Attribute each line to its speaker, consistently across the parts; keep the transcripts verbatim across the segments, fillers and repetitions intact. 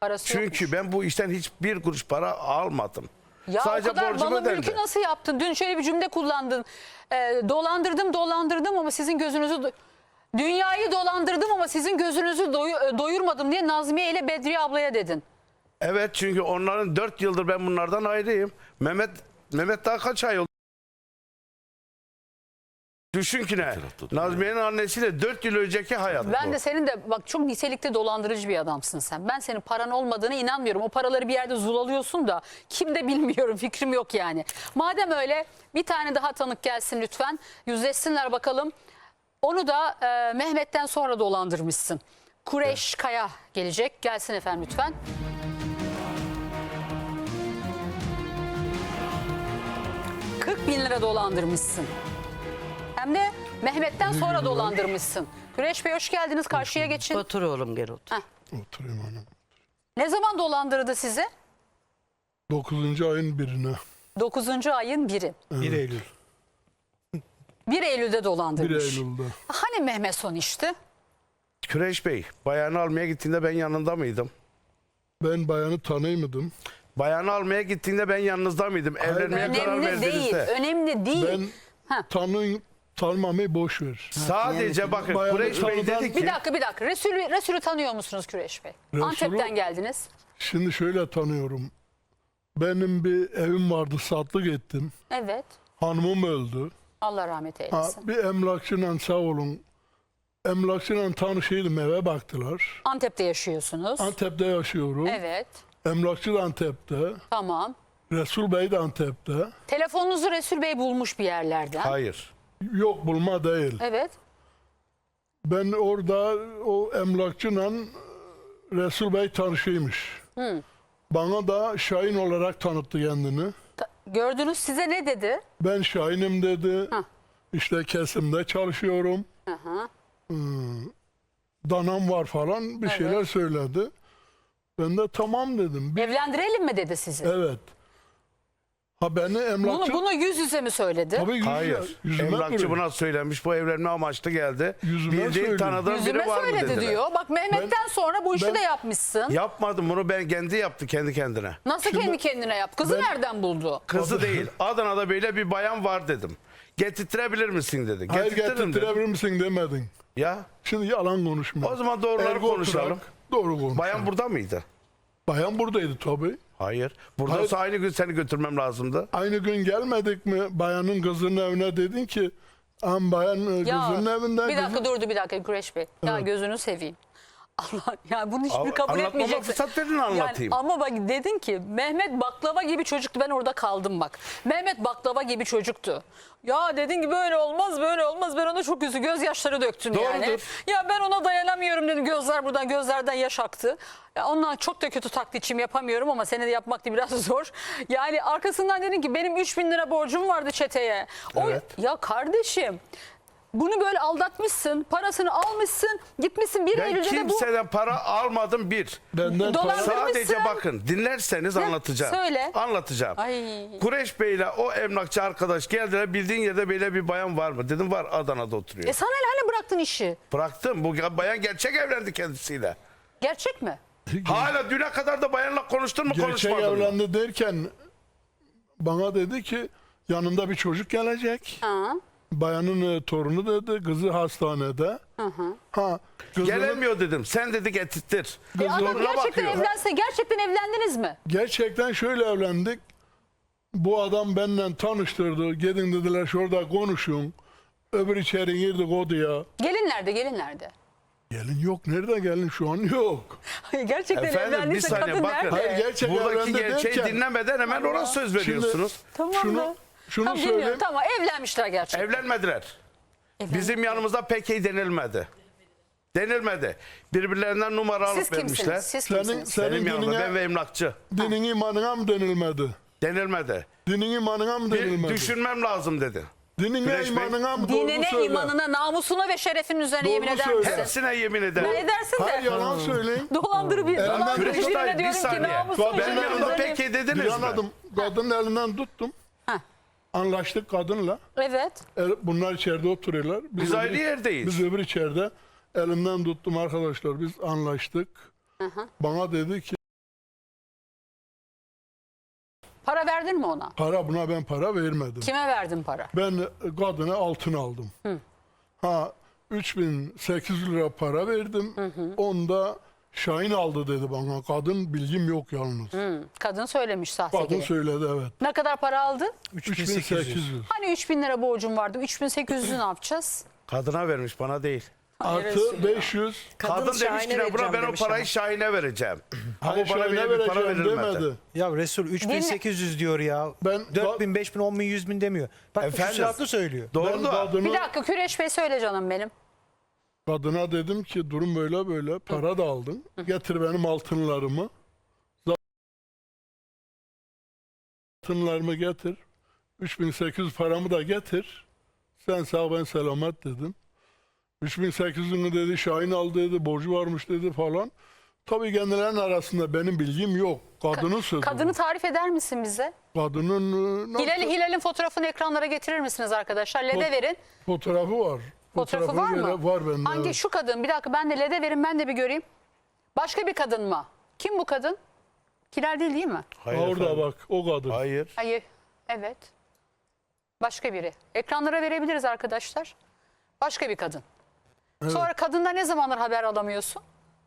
Speaker 1: Parası
Speaker 2: Çünkü
Speaker 1: yokmuş.
Speaker 2: ben bu işten hiçbir kuruş para almadım.
Speaker 1: Ya
Speaker 2: Sadece
Speaker 1: o kadar
Speaker 2: borcum
Speaker 1: malı
Speaker 2: ödendi.
Speaker 1: mülkü nasıl yaptın? Dün şöyle bir cümle kullandın. Ee, dolandırdım dolandırdım ama sizin gözünüzü... do- Dünyayı dolandırdım ama sizin gözünüzü doyu- doyurmadım diye Nazmiye ile Bedriye ablaya dedin.
Speaker 2: Evet, çünkü onların dört yıldır ben bunlardan ayrıyım. Mehmet Mehmet daha kaç ay oldu? Düşün ki ne? Nazmiye'nin annesiyle dört yıl önceki hayat
Speaker 1: Ben
Speaker 2: bu.
Speaker 1: de senin de bak çok nitelikte dolandırıcı bir adamsın sen. Ben senin paran olmadığına inanmıyorum. O paraları bir yerde zulalıyorsun da kim de bilmiyorum, fikrim yok yani. Madem öyle bir tane daha tanık gelsin lütfen. Yüzleşsinler bakalım. Onu da e, Mehmet'ten sonra dolandırmışsın. Kureyş Kaya gelecek. Gelsin efendim lütfen. kırk bin lira dolandırmışsın. Hem de Mehmet'ten sonra dolandırmışsın. Kureyş Bey hoş geldiniz. Karşıya geçin.
Speaker 3: Otur oğlum, gel otur.
Speaker 1: Heh.
Speaker 4: Oturayım hanım.
Speaker 1: Ne zaman dolandırdı sizi?
Speaker 4: dokuzuncu ayın birine.
Speaker 1: dokuzuncu ayın biri.
Speaker 4: bir Eylül.
Speaker 1: bir Eylül'de
Speaker 4: bir
Speaker 1: dolandırmış.
Speaker 4: Eylül'de.
Speaker 1: Hani Mehmet son işti?
Speaker 2: Küreş Bey, bayanı almaya gittiğinde ben yanında mıydım?
Speaker 4: Ben bayanı tanıymadım.
Speaker 2: Bayanı almaya gittiğinde ben yanınızda mıydım? Evlenmeye karar
Speaker 1: Önemli değil.
Speaker 2: verdiğinizde.
Speaker 1: Önemli değil.
Speaker 4: Ben
Speaker 1: Ha.
Speaker 4: tanı, tanımamayı boş ver.
Speaker 2: Sadece bakın
Speaker 4: Bayanı
Speaker 2: Kureş Bey
Speaker 4: tanıdan-
Speaker 2: dedi ki...
Speaker 1: Bir dakika bir dakika. Resulü, Resulü tanıyor musunuz Küreş Bey?
Speaker 4: Resulü-
Speaker 1: Antep'ten geldiniz.
Speaker 4: Şimdi şöyle tanıyorum. Benim bir evim vardı, satlık ettim.
Speaker 1: Evet.
Speaker 4: Hanımım öldü.
Speaker 1: Allah rahmet
Speaker 4: Ha,
Speaker 1: eylesin.
Speaker 4: bir emlakçıyla sağ olun. Emlakçıyla tanışıyordum, eve baktılar.
Speaker 1: Antep'te yaşıyorsunuz.
Speaker 4: Antep'te yaşıyorum.
Speaker 1: Evet.
Speaker 4: Emlakçı da Antep'te.
Speaker 1: Tamam.
Speaker 4: Resul Bey de Antep'te.
Speaker 1: Telefonunuzu Resul Bey bulmuş bir yerlerden.
Speaker 2: Hayır.
Speaker 4: Yok, bulma değil.
Speaker 1: Evet.
Speaker 4: Ben orada o emlakçıyla Resul Bey tanışıymış. Bana da Şahin olarak tanıttı kendini.
Speaker 1: Ta- Gördünüz, size ne dedi?
Speaker 4: Ben Şahin'im dedi.
Speaker 1: Hah.
Speaker 4: İşte kesimde çalışıyorum.
Speaker 1: Hı hı.
Speaker 4: Hmm, danam var falan bir şeyler söyledi. Ben de tamam dedim. Bir,
Speaker 1: Evlendirelim mi dedi sizi?
Speaker 4: evet. Ha beni
Speaker 1: Bunu,
Speaker 4: emlakçı...
Speaker 1: bunu yüz yüze mi söyledi?
Speaker 4: Tabii yüzüme,
Speaker 2: Hayır.
Speaker 4: yüzüme
Speaker 2: Emlakçı
Speaker 4: duruyor.
Speaker 2: buna söylemiş. Bu evlenme amaçlı geldi.
Speaker 4: Yüzüme
Speaker 2: Bildiğin
Speaker 4: söyledi.
Speaker 2: tanıdığın
Speaker 1: Yüzüme
Speaker 2: biri var mı
Speaker 1: söyledi
Speaker 2: dediler.
Speaker 1: diyor. Bak Mehmet'ten sonra bu işi
Speaker 4: ben-
Speaker 1: de yapmışsın.
Speaker 2: Yapmadım, bunu ben kendi yaptı kendi kendine.
Speaker 1: Nasıl kendi kendine yap? Kızı
Speaker 4: ben-
Speaker 1: nereden buldu?
Speaker 2: Kızı değil. Adana'da böyle bir bayan var dedim. Getirtirebilir misin dedi.
Speaker 4: Hayır,
Speaker 2: Getirtirim dedim.
Speaker 4: getirtirebilir misin demedin.
Speaker 2: Ya
Speaker 4: Şimdi yalan konuşma.
Speaker 2: o zaman doğruları
Speaker 4: Ergo
Speaker 2: konuşalım.
Speaker 4: oturak, doğru konuşalım.
Speaker 2: Bayan burada mıydı?
Speaker 4: Bayan buradaydı tabii.
Speaker 2: Hayır. Buradaysa aynı gün seni götürmem lazımdı.
Speaker 4: Aynı gün gelmedik mi bayanın kızının evine dedin ki am bayan e,
Speaker 1: Ya
Speaker 4: kızının evinden
Speaker 1: bir dakika
Speaker 4: kızın-
Speaker 1: durdu bir dakika Güreş Bey. Ya gözünü seveyim. Allah ya bunu hiçbir
Speaker 2: Al-
Speaker 1: kabul
Speaker 2: anlatmama
Speaker 1: etmeyeceksin.
Speaker 2: fırsat verin, anlatayım.
Speaker 1: Yani, ama bak dedin ki Mehmet baklava gibi çocuktu, ben orada kaldım bak. Mehmet baklava gibi çocuktu. Ya dedin ki böyle olmaz böyle olmaz, ben ona çok üzü gözyaşları döktün yani.
Speaker 2: Doğrudur.
Speaker 1: Ya ben ona dayanamıyorum dedim, gözler buradan gözlerden yaş aktı. Ya ondan çok da kötü taklitçim yapamıyorum ama seni de yapmak da biraz zor. Yani arkasından dedin ki benim üç bin lira borcum vardı çeteye. O,
Speaker 2: Evet.
Speaker 1: Ya kardeşim bunu böyle aldatmışsın, parasını almışsın, gitmişsin bir
Speaker 2: Ben
Speaker 1: Eylül'de de bu...
Speaker 2: kimseden para almadım bir.
Speaker 4: Benden
Speaker 1: Dolar-
Speaker 4: para-
Speaker 2: Sadece
Speaker 1: Almışsın.
Speaker 2: bakın, dinlerseniz anlatacağım.
Speaker 1: söyle.
Speaker 2: Anlatacağım.
Speaker 1: Ay.
Speaker 2: Kureş Bey'le o emlakçı arkadaş geldiler. Bildiğin yerde böyle bir bayan var mı? Dedim var, Adana'da oturuyor.
Speaker 1: E sana ne, hani bıraktın işi?
Speaker 2: Bıraktım. Bu bayan gerçek evlendi kendisiyle.
Speaker 1: Gerçek mi?
Speaker 2: Hala düne kadar da bayanla konuştun mu,
Speaker 4: gerçek
Speaker 2: konuşmadın mı?
Speaker 4: evlendi derken bana dedi ki yanında bir çocuk gelecek.
Speaker 1: Ha.
Speaker 4: Bayanın e, torunu dedi, kızı hastanede. Ha, kızını
Speaker 2: Gelemiyor dedim. Sen dedi getirtir.
Speaker 1: E adam
Speaker 2: Zoruna
Speaker 1: gerçekten
Speaker 2: bakıyor.
Speaker 1: evlense, gerçekten evlendiniz mi?
Speaker 4: gerçekten şöyle evlendik. Bu adam benimle tanıştırdı. Gidin dediler şurada konuşun. Öbür içeri girdik odaya.
Speaker 1: Gelin nerede, gelin nerede?
Speaker 4: Gelin yok. Nerede gelin? Şu an yok.
Speaker 1: Hayır, gerçekten
Speaker 2: Efendim bir
Speaker 1: evlendiyse
Speaker 2: saniye
Speaker 1: kadın
Speaker 2: bakın.
Speaker 1: nerede?
Speaker 4: Hayır, gerçek
Speaker 2: Buradaki
Speaker 4: evlendi
Speaker 2: gerçeği
Speaker 4: derken-
Speaker 2: dinlemeden hemen ona söz veriyorsunuz.
Speaker 1: Tamam
Speaker 4: şunu,
Speaker 1: mı?
Speaker 4: şunu
Speaker 1: Tamam,
Speaker 4: söyleyeyim.
Speaker 1: bilmiyorum. Tamam, evlenmişler gerçekten.
Speaker 2: Evlenmediler. Bizim yanımızda pek iyi denilmedi. Denilmedi. Birbirlerinden numara
Speaker 1: Siz
Speaker 2: alıp vermişler.
Speaker 1: kimsiniz? Siz
Speaker 4: Senin,
Speaker 1: kimsiniz?
Speaker 4: senin
Speaker 2: Benim yanımda ben
Speaker 4: dinine,
Speaker 2: ve emlakçı.
Speaker 4: dinin imanına mı denilmedi?
Speaker 2: Denilmedi.
Speaker 4: Dinin imanına mı
Speaker 2: Bir
Speaker 4: denilmedi?
Speaker 2: düşünmem lazım dedi.
Speaker 4: Dinine
Speaker 2: Güneş Bey,
Speaker 4: imanına mı? Doğru
Speaker 1: Dinine,
Speaker 4: söyle.
Speaker 1: imanına, namusuna ve şerefinin üzerine
Speaker 4: Doğru
Speaker 1: yemin eder
Speaker 4: söyle.
Speaker 1: misin?
Speaker 2: Hepsine yemin ederim.
Speaker 1: Ne edersin de?
Speaker 4: Hayır, yalan söyleyin.
Speaker 1: Dolandırı bir,
Speaker 4: Elinden
Speaker 1: dolandırı
Speaker 2: Güneş
Speaker 1: birine
Speaker 2: Dayı, bir
Speaker 1: diyorum ki
Speaker 2: saniye.
Speaker 1: namusuna
Speaker 4: Benim
Speaker 1: ve
Speaker 2: Benim
Speaker 1: şerefinin
Speaker 2: yanımda
Speaker 1: üzerine...
Speaker 2: pek iyi
Speaker 4: Bir
Speaker 2: dediniz mi?
Speaker 4: anladım. Kadının elinden tuttum.
Speaker 1: Heh.
Speaker 4: Anlaştık kadınla.
Speaker 1: Evet.
Speaker 4: El- Bunlar içeride oturuyorlar.
Speaker 2: Biz
Speaker 4: öbür-
Speaker 2: ayrı yerdeyiz.
Speaker 4: Biz öbür içeride. Elimden tuttum arkadaşlar. Biz anlaştık. Bana dedi ki
Speaker 1: verdin mi ona?
Speaker 4: Para buna ben para vermedim.
Speaker 1: Kime verdin para?
Speaker 4: Ben kadına altın aldım. Ha üç bin sekiz yüz lira para verdim. Onda Şahin aldı dedi bana. Kadın bilgim yok yalnız.
Speaker 1: Hı, kadın söylemiş sahte
Speaker 4: Kadın
Speaker 1: gibi.
Speaker 4: söyledi evet.
Speaker 1: Ne kadar para aldı?
Speaker 4: üç bin sekiz yüz.
Speaker 1: Hani üç bin lira borcum vardı. üç bin sekiz yüzü ne yapacağız?
Speaker 2: Kadına vermiş, bana değil.
Speaker 4: Artı beş yüz.
Speaker 2: Kadın,
Speaker 3: Kadın
Speaker 2: demiş ki
Speaker 3: Şahin'e
Speaker 2: ne buna
Speaker 3: vereceğim
Speaker 2: ben o
Speaker 3: demiş
Speaker 2: parayı
Speaker 3: ama.
Speaker 2: Şahin'e vereceğim. Ama
Speaker 4: Hayır
Speaker 2: bana
Speaker 4: Şahin'e
Speaker 2: bile bir para
Speaker 4: vereceğim
Speaker 2: verilmedi.
Speaker 4: demedi.
Speaker 5: Ya Resul üç bin sekiz yüz diyor ya.
Speaker 4: Ben-
Speaker 5: dört bin, beş bin, on bin, yüz bin demiyor. Bak
Speaker 2: Efendim?
Speaker 5: küsuratlı söylüyor.
Speaker 2: Doğru
Speaker 4: Ben
Speaker 2: da.
Speaker 4: kadına,
Speaker 1: Bir dakika Küreş Bey söyle canım benim.
Speaker 4: kadına dedim ki durum böyle böyle. Para da aldın. Getir benim altınlarımı. Altınlarımı getir. üç bin sekiz yüz paramı da getir. Sen sağ ben selamet dedim. üç bin sekiz yüzünü dedi Şahin aldı dedi. Borcu varmış dedi falan. Tabii kendilerinin arasında benim bilgim yok. Kadının sözü.
Speaker 1: Kadını
Speaker 4: bu.
Speaker 1: tarif eder misin bize?
Speaker 4: Kadının e, nasıl-
Speaker 1: Hilal, Hilal'in fotoğrafını ekranlara getirir misiniz arkadaşlar? LED'e verin.
Speaker 4: fotoğrafı var.
Speaker 1: Fotoğrafı var
Speaker 4: Fotoğrafını
Speaker 1: mı?
Speaker 4: vere- Var bende.
Speaker 1: Hangi
Speaker 4: evet.
Speaker 1: şu kadın? Bir dakika ben de LED'e verin ben de bir göreyim. Başka bir kadın mı? Kim bu kadın? Hilal değil değil mi?
Speaker 2: Hayır
Speaker 4: Ha, orada
Speaker 2: efendim.
Speaker 4: bak o kadın.
Speaker 2: Hayır.
Speaker 1: Hayır. Evet. Başka biri. Ekranlara verebiliriz arkadaşlar. Başka bir kadın. Sonra kadından ne zamandır haber alamıyorsun?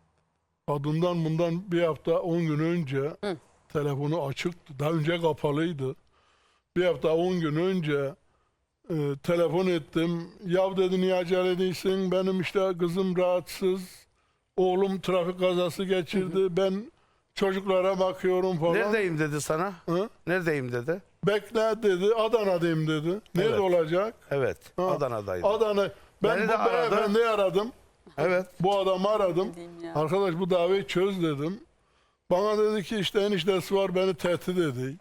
Speaker 4: Kadından bundan bir hafta on gün önce telefonu açıktı. Daha önce kapalıydı. Bir hafta on gün önce e, telefon ettim. Yav dedi niye acele değilsin? Benim işte kızım rahatsız. Oğlum trafik kazası geçirdi. Ben çocuklara bakıyorum falan.
Speaker 2: Neredeyim dedi sana?
Speaker 4: Hı?
Speaker 2: Neredeyim dedi?
Speaker 4: Bekle dedi. Adana'dayım dedi. Nerede
Speaker 2: Evet.
Speaker 4: olacak?
Speaker 2: Evet.
Speaker 4: Ha,
Speaker 2: Adana'daydı.
Speaker 4: Adana. Ben
Speaker 2: Beni
Speaker 4: bu
Speaker 2: de aradı.
Speaker 4: beyefendiyi aradım.
Speaker 2: Evet.
Speaker 4: Bu adamı aradım.
Speaker 1: Bileyim ya.
Speaker 4: Arkadaş bu davayı çöz dedim. Bana dedi ki işte eniştesi var beni tehdit ediyor.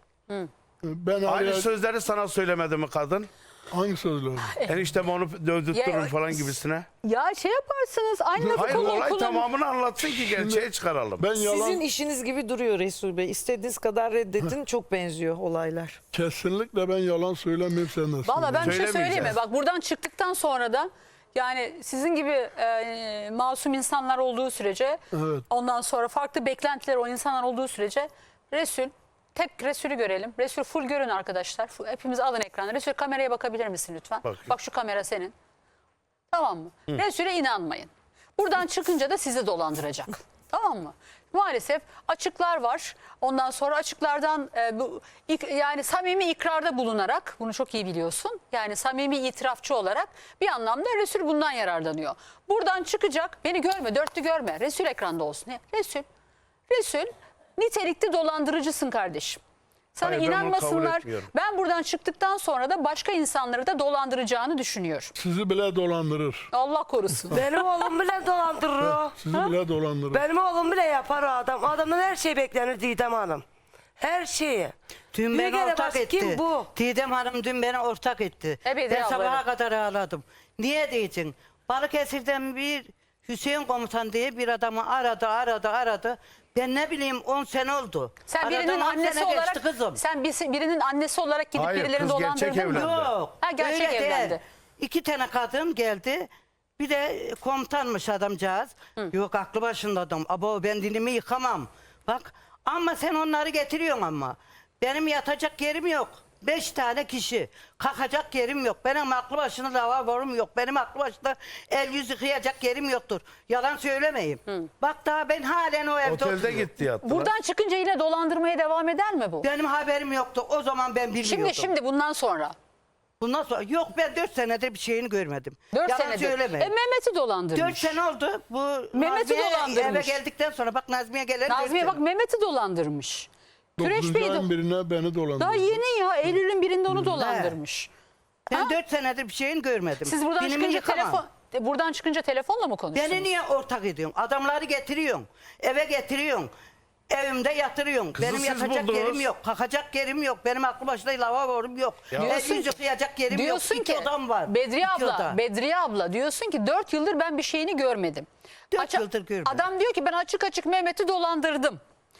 Speaker 4: Ben
Speaker 2: Aynı
Speaker 4: araya...
Speaker 2: sözleri sana söylemedi mi kadın?
Speaker 4: Hangi sözleri?
Speaker 2: Eniştem onu dövdürtürüm
Speaker 1: Ya-
Speaker 2: falan gibisine.
Speaker 1: Ya şey yaparsınız aynı lafı
Speaker 2: Hayır
Speaker 1: kullan-
Speaker 2: olay
Speaker 1: kullan-
Speaker 2: tamamını anlatsın ki gerçeği çıkaralım.
Speaker 4: Ben yalan
Speaker 3: Sizin işiniz gibi duruyor Resul Bey. İstediğiniz kadar reddetin, çok benziyor olaylar.
Speaker 4: kesinlikle ben yalan söylemiyorum sen nasıl?
Speaker 1: Valla ben bir şey söyleyeyim mi?
Speaker 2: Söylemeyeceğiz.
Speaker 1: Bak buradan çıktıktan sonra da yani sizin gibi e, masum insanlar olduğu sürece
Speaker 4: Evet.
Speaker 1: ondan sonra farklı beklentileri o insanlar olduğu sürece Resul tek Resul'ü görelim. Resul full görün arkadaşlar. Full- hepimiz alın ekranı. Resul kameraya bakabilir misin lütfen?
Speaker 2: Bakayım.
Speaker 1: Bak şu kamera senin. Tamam mı? Resul'e inanmayın. Buradan çıkınca da sizi dolandıracak. Tamam mı? Maalesef açıklar var. Ondan sonra açıklardan e, bu ik- yani samimi ikrarda bulunarak bunu çok iyi biliyorsun. Yani samimi itirafçı olarak bir anlamda Resul bundan yararlanıyor. Buradan çıkacak. Beni görme, dörtlü görme. Resul ekranda olsun. Resul. Resul nitelikli dolandırıcısın kardeşim. Sana
Speaker 2: Hayır, ben bunu kabul
Speaker 1: inanmasınlar.
Speaker 2: etmiyorum.
Speaker 1: Ben buradan çıktıktan sonra da başka insanları da dolandıracağını düşünüyorum.
Speaker 4: Sizi bile dolandırır.
Speaker 1: Allah korusun.
Speaker 6: Benim oğlum bile dolandırır o.
Speaker 4: Sizi bile dolandırır.
Speaker 6: Benim oğlum bile yapar o adam. Adamın her şeyi beklenir Didem Hanım. Her şeyi.
Speaker 7: Dün
Speaker 6: Bir
Speaker 7: beni
Speaker 6: kere
Speaker 7: ortak
Speaker 6: bak,
Speaker 7: etti.
Speaker 6: kim bu?
Speaker 7: Didem Hanım dün beni ortak etti.
Speaker 1: E, Bedriye
Speaker 7: ben
Speaker 1: abla,
Speaker 7: sabaha
Speaker 1: evet.
Speaker 7: kadar ağladım. Niye diyeceksin? Balıkesir'den bir Hüseyin komutan diye bir adamı aradı aradı aradı. Ben ne bileyim on sene oldu.
Speaker 1: Sen
Speaker 7: Aradan
Speaker 1: birinin
Speaker 7: on
Speaker 1: annesi
Speaker 7: sene
Speaker 1: olarak
Speaker 7: geçti kızım.
Speaker 1: sen birisi- birinin annesi olarak gidip
Speaker 2: Hayır,
Speaker 1: birilerini
Speaker 2: kız gerçek
Speaker 1: dolandırdın mı?
Speaker 2: evlendi.
Speaker 7: Yok.
Speaker 1: Ha, gerçek
Speaker 7: öyle değil.
Speaker 1: evlendi.
Speaker 7: İki tane kadın geldi. Bir de komutanmış adamcağız. Yok aklı başında adam. Abo ben dilimi yıkamam. Bak ama sen onları getiriyorsun ama. Benim yatacak yerim yok. Beş tane kişi. Kalkacak yerim yok. Benim aklı başında lavaborum yok. Benim aklı başında el yüz yıkayacak yerim yoktur. Yalan söylemeyeyim. Bak daha ben halen o evde
Speaker 2: Otelde
Speaker 7: oturuyorum.
Speaker 2: gitti yattılar.
Speaker 1: Buradan çıkınca yine dolandırmaya devam eder mi bu?
Speaker 7: Benim haberim yoktu. O zaman ben bilmiyordum.
Speaker 1: Şimdi şimdi bundan sonra.
Speaker 7: Bundan sonra yok ben dört senedir bir şeyini görmedim.
Speaker 1: Dört
Speaker 7: Yalan
Speaker 1: senedir.
Speaker 7: söylemeyin.
Speaker 1: E Mehmet'i dolandırmış.
Speaker 7: Dört sene oldu. Bu
Speaker 1: Mehmet'i
Speaker 7: Nazmiye
Speaker 1: dolandırmış.
Speaker 7: eve geldikten sonra bak Nazmiye gelen dört
Speaker 1: Nazmiye
Speaker 7: sene.
Speaker 1: bak Mehmet'i dolandırmış. Küreş
Speaker 4: Dokuzuncu
Speaker 1: Bey
Speaker 4: ayın
Speaker 1: de
Speaker 4: birine beni dolandırdı.
Speaker 1: daha yeni ya Eylül'ün birinde onu dolandırmış.
Speaker 7: Ben dört senedir bir şeyini görmedim.
Speaker 1: Siz buradan
Speaker 7: Dilimi
Speaker 1: çıkınca
Speaker 7: yıkamam.
Speaker 1: telefon e, buradan çıkınca telefonla mı konuştunuz?
Speaker 7: Beni niye ortak ediyorsun? Adamları getiriyorsun. Eve getiriyorsun. Evimde yatırıyorsun.
Speaker 2: Kızı
Speaker 7: Benim
Speaker 2: siz
Speaker 7: yatacak
Speaker 2: buldunuz.
Speaker 7: yerim yok. Kalkacak yerim yok. Benim aklı başında lavaborum yok. El
Speaker 1: Diyorsun
Speaker 7: yüz
Speaker 1: ki-
Speaker 7: yıkayacak yerim
Speaker 1: Diyorsun
Speaker 7: yok. İki
Speaker 1: ki
Speaker 7: odam var.
Speaker 1: Bedriye
Speaker 7: İki
Speaker 1: abla,
Speaker 7: oda.
Speaker 1: Bedriye abla diyorsun ki dört yıldır ben bir şeyini görmedim.
Speaker 7: Dört yıldır görmedim.
Speaker 1: Adam diyor ki ben açık açık Mehmet'i dolandırdım.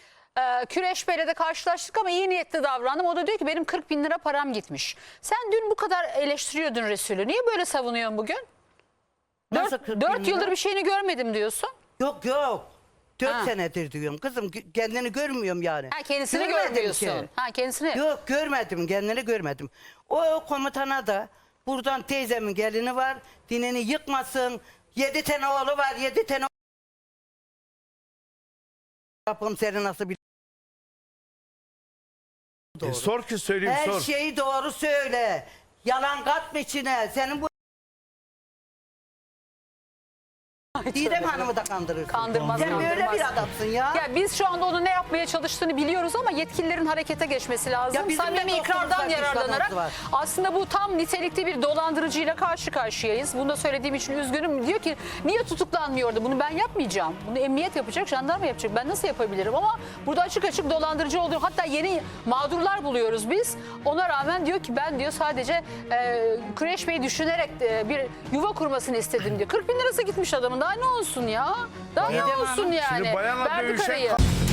Speaker 1: Ee, Küreş Bey'le de karşılaştık ama iyi niyetli davrandım. O da diyor ki benim kırk bin lira param gitmiş. Sen dün bu kadar eleştiriyordun Resul'ü. Niye böyle savunuyorsun bugün?
Speaker 7: Nasıl
Speaker 1: Dört,
Speaker 7: kırk bin
Speaker 1: dört
Speaker 7: lira?
Speaker 1: yıldır bir şeyini görmedim diyorsun.
Speaker 7: Yok yok. Dört
Speaker 1: Ha.
Speaker 7: senedir diyorum. Kızım gö- kendini görmüyorum yani.
Speaker 1: Ha, kendisini
Speaker 7: Görmedim
Speaker 1: görmüyorsun.
Speaker 7: ki.
Speaker 1: Ha, kendisini.
Speaker 7: Yok görmedim, kendini görmedim. O komutana da buradan teyzemin gelini var, dinini yıkmasın. Yedi tane oğlu var, yedi tane Rabbim seni nasıl bil.
Speaker 2: E, sor ki söyleyeyim
Speaker 7: Her
Speaker 2: sor.
Speaker 7: şeyi doğru söyle. Yalan katma içine. Senin bu Didem Hanım'ı da kandırırsın.
Speaker 1: Kandırmaz,
Speaker 7: Sen böyle
Speaker 1: kandırmaz.
Speaker 7: bir adamsın ya.
Speaker 1: Ya biz şu anda onun ne yapmaya çalıştığını biliyoruz ama yetkililerin harekete geçmesi lazım.
Speaker 7: Ya bizim
Speaker 1: Samimi
Speaker 7: de
Speaker 1: ikrardan
Speaker 7: dostumuz var,
Speaker 1: yararlanarak
Speaker 7: düşmanımız var.
Speaker 1: aslında bu tam nitelikli bir dolandırıcıyla karşı karşıyayız. Bunu da söylediğim için üzgünüm. Diyor ki niye tutuklanmıyordu? Bunu ben yapmayacağım. Bunu emniyet yapacak, jandarma yapacak. Ben nasıl yapabilirim? Ama burada açık açık dolandırıcı oluyor. Hatta yeni mağdurlar buluyoruz biz. Ona rağmen diyor ki ben diyor sadece e, Kureş Bey'i düşünerek e, bir yuva kurmasını istedim diyor. kırk bin lirası gitmiş adamın. Daha ne olsun ya? Daha ne
Speaker 7: Didem
Speaker 1: olsun
Speaker 7: Hanım,
Speaker 1: yani?
Speaker 2: Şimdi bayanla
Speaker 1: Verdik
Speaker 2: dövüşen
Speaker 1: arayı.
Speaker 2: ka-